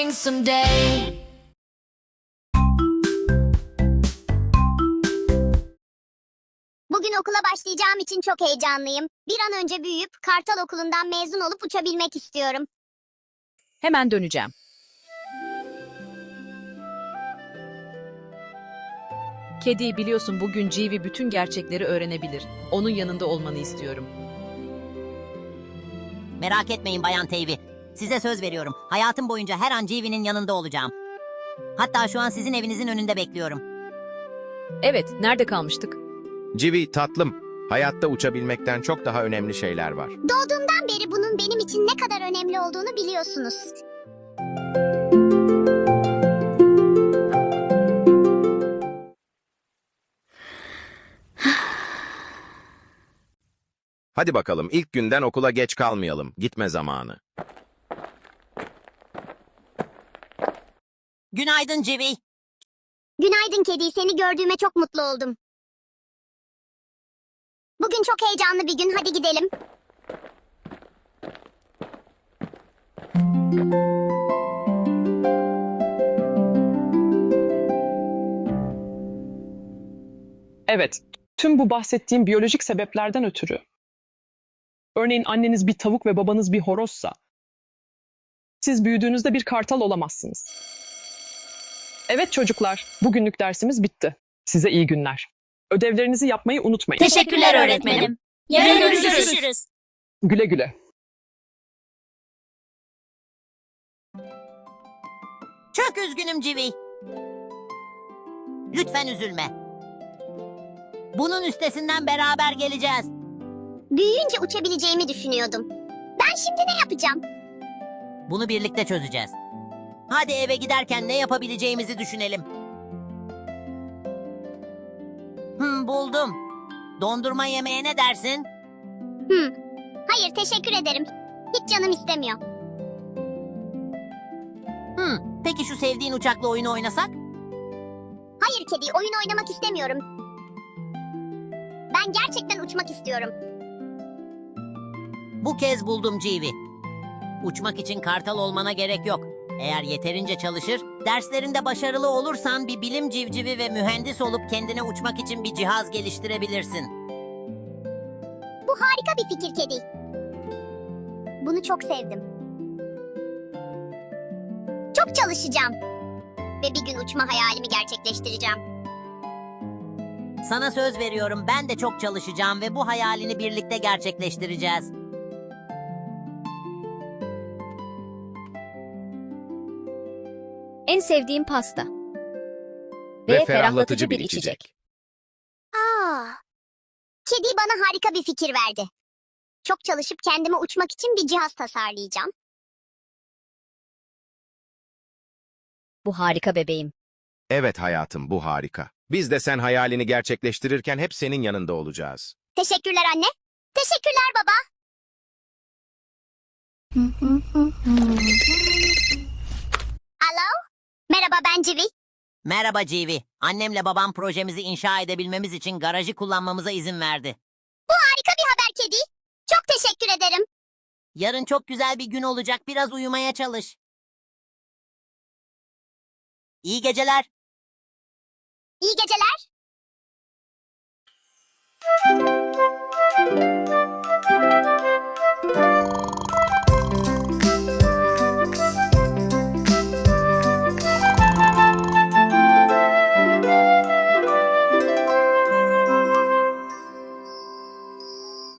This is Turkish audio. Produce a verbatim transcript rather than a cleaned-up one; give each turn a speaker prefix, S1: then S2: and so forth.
S1: coming someday.
S2: Bugün okula başlayacağım için çok heyecanlıyım. Bir an önce büyüyüp Kartal Okulu'ndan mezun olup uçabilmek istiyorum.
S3: Hemen döneceğim. Kedi, biliyorsun bugün Civi bütün gerçekleri öğrenebilir. Onun yanında olmanı istiyorum.
S4: Merak etmeyin Bayan Teyvi. Size söz veriyorum. Hayatım boyunca her an Civi'nin yanında olacağım. Hatta şu an sizin evinizin önünde bekliyorum.
S3: Evet, nerede kalmıştık?
S5: Civi tatlım, hayatta uçabilmekten çok daha önemli şeyler var.
S2: Doğduğumdan beri bunun benim için ne kadar önemli olduğunu biliyorsunuz.
S5: Hadi bakalım, ilk günden okula geç kalmayalım. Gitme zamanı.
S4: Günaydın Civi.
S2: Günaydın kedi, seni gördüğüme çok mutlu oldum. Bugün çok heyecanlı bir gün, hadi gidelim.
S6: Evet, tüm bu bahsettiğim biyolojik sebeplerden ötürü. Örneğin anneniz bir tavuk ve babanız bir horozsa, siz büyüdüğünüzde bir kartal olamazsınız. Evet çocuklar, bugünlük dersimiz bitti. Size iyi günler. Ödevlerinizi yapmayı unutmayın.
S7: Teşekkürler öğretmenim. Yarın görüşürüz.
S6: Güle güle.
S4: Çok üzgünüm Civi. Lütfen üzülme. Bunun üstesinden beraber geleceğiz.
S2: Büyüyünce uçabileceğimi düşünüyordum. Ben şimdi ne yapacağım?
S4: Bunu birlikte çözeceğiz. Hadi eve giderken ne yapabileceğimizi düşünelim. Hmm, buldum. Dondurma yemeye ne dersin?
S2: Hmm. Hayır, teşekkür ederim. Hiç canım istemiyor.
S4: Hmm, peki şu sevdiğin uçakla oyunu oynasak?
S2: Hayır kedi, oyun oynamak istemiyorum. Ben gerçekten uçmak istiyorum.
S4: Bu kez buldum Civi. Uçmak için kartal olmana gerek yok. Eğer yeterince çalışır, derslerinde başarılı olursan bir bilim civcivi ve mühendis olup kendine uçmak için bir cihaz geliştirebilirsin.
S2: Bu harika bir fikir kedi. Bunu çok sevdim. Çok çalışacağım. Ve bir gün uçma hayalimi gerçekleştireceğim.
S4: Sana söz veriyorum, ben de çok çalışacağım ve bu hayalini birlikte gerçekleştireceğiz.
S7: En sevdiğim pasta.
S5: Ve ferahlatıcı bir içecek.
S2: Aa, kedi bana harika bir fikir verdi. Çok çalışıp kendime uçmak için bir cihaz tasarlayacağım.
S7: Bu harika bebeğim.
S5: Evet hayatım, bu harika. Biz de sen hayalini gerçekleştirirken hep senin yanında olacağız.
S2: Teşekkürler anne. Teşekkürler baba. Alo? Merhaba, ben Civi.
S4: Merhaba Civi. Annemle babam projemizi inşa edebilmemiz için garajı kullanmamıza izin verdi.
S2: Bu harika bir haber kedi. Çok teşekkür ederim.
S4: Yarın çok güzel bir gün olacak. Biraz uyumaya çalış. İyi geceler.
S2: İyi geceler.